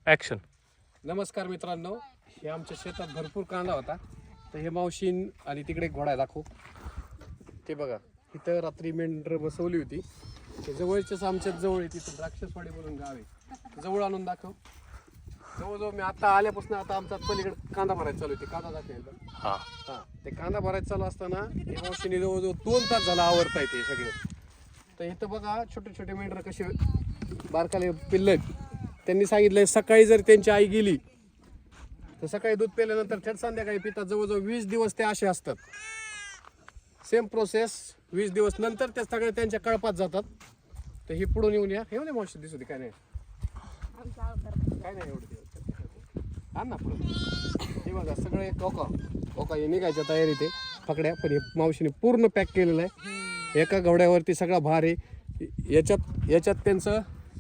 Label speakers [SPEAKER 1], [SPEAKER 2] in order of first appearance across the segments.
[SPEAKER 1] Action.
[SPEAKER 2] नमस्कार मित्रांनो, हे आमच्या शेतात भरपूर कांदा होता. तर हे मावशीन आणि तिकडे एक घोडा दाखव. ते बघा, इथं रात्री मेंढर बसवली होती. ते जवळच्याच आमच्याच जवळ आहे, तिथं द्राक्षसवाडी म्हणून गाव आहे. जवळ आणून दाखव. जवळजवळ मी आता आल्यापासून आता आमचा पलीकडे कांदा भरायचा चालू होती. कांदा दाखवायला हा ते कांदा भरायचं चालू असताना हे मावशीने जवळजवळ 2 तास झाला आवरता येते सगळे. तर इथं बघा छोटे छोटे मेंढर कसे बारकाले पिल्ले आहेत. त्यांनी सांगितलंय सकाळी जर त्यांची आई गेली तर सकाळी दूध पिल्यानंतर थेट संध्याकाळी पितात. जवळजवळ 20 दिवस ते असे असतात. सेम प्रोसेस 20 दिवस नंतर त्या सगळे त्यांच्या कळपात जातात. तर ही पुढून येऊन या. हे नाही मावशी दिसू दे. काय नाही काय नाही एवढं आण ना पुढं. हे बघा सगळे ओका हे निघायच्या तयारीत आहे पकड्या. पण हे मावशीने पूर्ण पॅक केलेलं आहे. एका घोड्यावरती सगळा भार आहे. याच्यात त्यांचं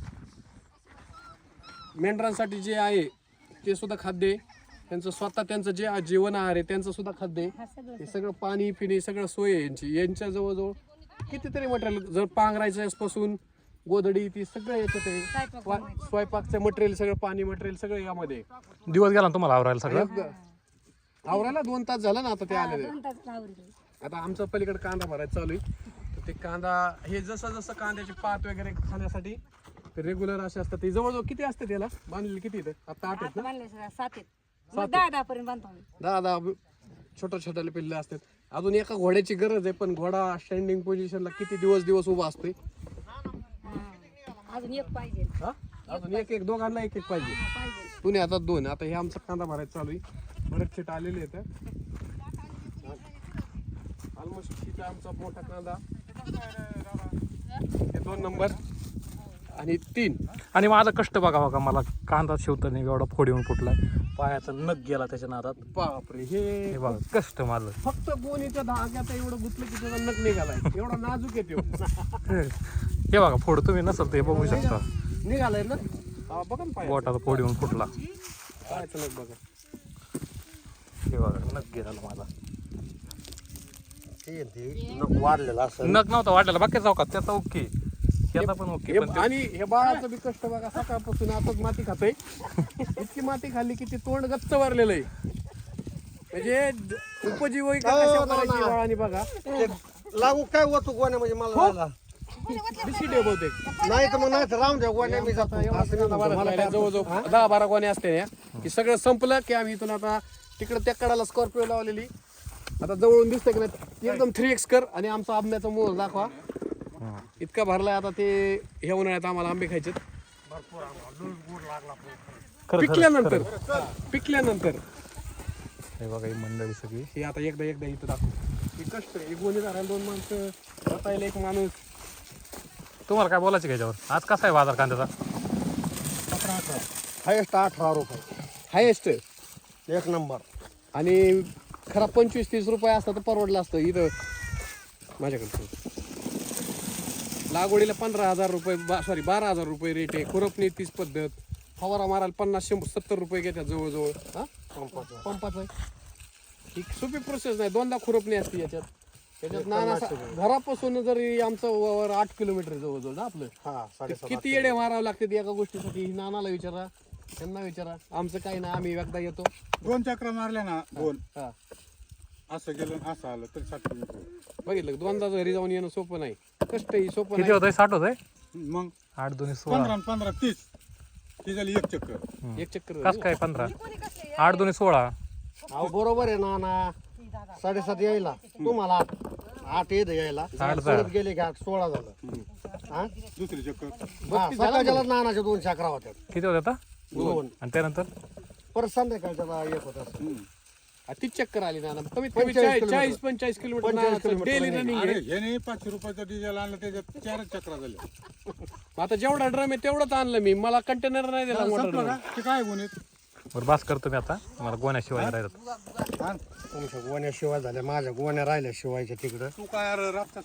[SPEAKER 2] मेंढरांसाठी जे आहे ते सुद्धा खाद्य आहे. त्यांचं स्वतः त्यांचं जे जीवन आहार आहे त्यांचं सुद्धा खाद्य आहे. हे सगळं पाणी पिणे सगळं सोय आहे यांची. यांच्या जवळजवळ कितीतरी मटेरियल, जर पांघरायचं पासून गोधडी ती सगळं याच्यात आहे. स्वयंपाकचं मटेरियल सगळं, पाणी मटेरियल सगळं यामध्ये.
[SPEAKER 1] दिवस गेला ना तुम्हाला आवरायला सगळं?
[SPEAKER 2] आवरायला 2 तास झाला ना आता ते आलेले. आता आमचं पलीकडे कांदा भरायचा चालू आहे. तर ते कांदा हे जसं जसं कांद्याचे पात वगैरे खाण्यासाठी रेग्युलर असे असतात. ते जवळजवळ किती असते त्याला बांधलेले? किती इथं आता 8 आहेत ना?
[SPEAKER 3] 7 10 पर्यंत बांधतो.
[SPEAKER 2] 10 छोट्या छोट्याले पिल्ले असतात. अजून एका घोड्याची गरज आहे, पण घोडा स्टँडिंग पोझिशनला किती दिवस उभा असतोय.
[SPEAKER 3] अजून एक पाहिजे.
[SPEAKER 2] हा अजून एक दोघांना एक पाहिजे. तुम्ही आता 2. आता हे आमचा कांदा भरायचा चालू आहे. बरेच छीट आलेले आहेत. ऑलमोस्ट तिथं आमचा मोठा कांदा हे 2 नंबर आणि 3.
[SPEAKER 1] आणि माझा कष्ट बघा मला कांदा शिवताना एवढा फोड येऊन फुटलाय. पायाचा नख गेला त्याच्या नादात.
[SPEAKER 2] बापरे,
[SPEAKER 1] हे बघा कष्ट माझं.
[SPEAKER 2] फक्त गोणीच्या धाग्यात एवढं गुतलं की त्याचा नख निघालाय. एवढा नाजूक येतो.
[SPEAKER 1] हे बघा फोड तुम्ही नसल तर हे बघू शकता.
[SPEAKER 2] निघालाय ना. बघा ना
[SPEAKER 1] बोटाचा फोड येऊन फुटला.
[SPEAKER 2] पायाचं नख बघा.
[SPEAKER 1] हे बघा नख गेला माझा.
[SPEAKER 4] वाढलेला असं
[SPEAKER 1] नख नव्हता वाटलेला बाकी चौकात त्याचा ओके, त्याचा पण ओके. पण
[SPEAKER 2] आणि हे बाळाचं बी कष्ट बघा. सकाळपासून आताच माती खातोय. इतकी माती खाल्ली की ती तोंड गच्च भरलेलं आहे. म्हणजे उपजीविका कशा करायची बाळाने बघा.
[SPEAKER 4] लागू काय होतो गोण्या म्हणजे मला जायला.
[SPEAKER 2] बिस्किट आहे बहुतेक.
[SPEAKER 4] नाही तर मग नाही तर राहून द्या गोण्या मी जातो. असं नाही म्हणतो. मला काय
[SPEAKER 2] जवळजवळ 10-12 गोणे असते ना की सगळं संपलं की आम्ही इथून आता तिकडे त्या कडाला स्कॉर्पिओ लावलेली. आता जवळून दिसतंय की नाही एकदम 3x कर आणि आमचा आंब्याचा मोर दाखवा. इतका भरलाय. आता ते हे उन्हाळ्यात आम्हाला आंबे खायचे पिकल्यानंतर.
[SPEAKER 1] हे बघा ही मंडळी सगळी.
[SPEAKER 2] हे आता एकदा इथं दाखव. हे कष्ट आहे. गोणी धरायला 2 माणसं, रतायला 1 माणूस.
[SPEAKER 1] तुम्हाला काय बोलायचं याच्यावर? आज कसा आहे बाजार कांद्याचा?
[SPEAKER 4] हायेस्ट 18 रुपये
[SPEAKER 2] हायेस्ट
[SPEAKER 4] 1 नंबर.
[SPEAKER 2] आणि खरा 25-30 रुपये असतं तर परवडलं असतं. इथं माझ्याकडे लागवडीला 15,000 रुपये 12,000 रुपये रेट आहे. खुरपणी 30 पद्धत. फवारा मारायला 50-70 रुपये घेतात जवळजवळ. हा पंपाचं ही सोपी प्रोसेस नाही. 2दा खुरपणी असते याच्यात नाना. घरापासून जरी आमचं वावर 8 किलोमीटर जवळजवळ ना आपलं.
[SPEAKER 4] हा 7.5
[SPEAKER 2] किती येडे मारावं लागते एका गोष्टीसाठी. नानाला विचारा, त्यांना विचारा. आमचं काही नाही. आम्ही एकदा येतो
[SPEAKER 5] 2 चक्र मारल्या ना. 2
[SPEAKER 2] हा
[SPEAKER 5] असं गेलं असं आलं तरी 60
[SPEAKER 2] बघितलं. 2दा घरी जाऊन येणं सोपं नाही. कष्टही सोपं
[SPEAKER 1] किती
[SPEAKER 2] नाही.
[SPEAKER 1] होत आहे? 60 होत आहे.
[SPEAKER 5] मग
[SPEAKER 1] 8 2 16.
[SPEAKER 5] 15 30 ती झाली 1 चक्कर.
[SPEAKER 2] एक चक्कर
[SPEAKER 1] कस काय 15? 8 2 16.
[SPEAKER 4] अहो बरोबर आहे ना. 7.5 यायला तुम्हाला 8 येत यायला. परत गेले की 8 16 झालं. हा
[SPEAKER 5] दुसरी चक्कर
[SPEAKER 4] सकाळच्याला नानाच्या 2 चक्रा होत्या.
[SPEAKER 1] किती होत आता?
[SPEAKER 4] 2.
[SPEAKER 1] आणि त्यानंतर
[SPEAKER 4] परत संध्याकाळच्याला 1 होता.
[SPEAKER 2] 30 चक्कर आली ना. कमीत कमी
[SPEAKER 4] 45
[SPEAKER 2] 40-45
[SPEAKER 4] 45
[SPEAKER 2] किलोमीटर डेली रनिंग
[SPEAKER 5] अरे
[SPEAKER 2] आहे.
[SPEAKER 5] ह्याने 500 रुपयाचं डिझेल आणलं त्याच्यात 4 चक्रा झाल्या.
[SPEAKER 2] आता जेवढा ड्रम आहे तेवढंच आणलं मी. मला कंटेनर नाही दिला मोठा
[SPEAKER 5] संपलं
[SPEAKER 2] drum.
[SPEAKER 5] का ते काय गुन्हेत
[SPEAKER 1] बरं बास करतो मी आता. मला गोण्याशिवाय राहिलं.
[SPEAKER 4] तुमच्या गोण्या शिवाय झाल्या. माझ्या गोण्या राहिल्या शिवायच्या तिकडं.
[SPEAKER 5] तू काय अरे रातचा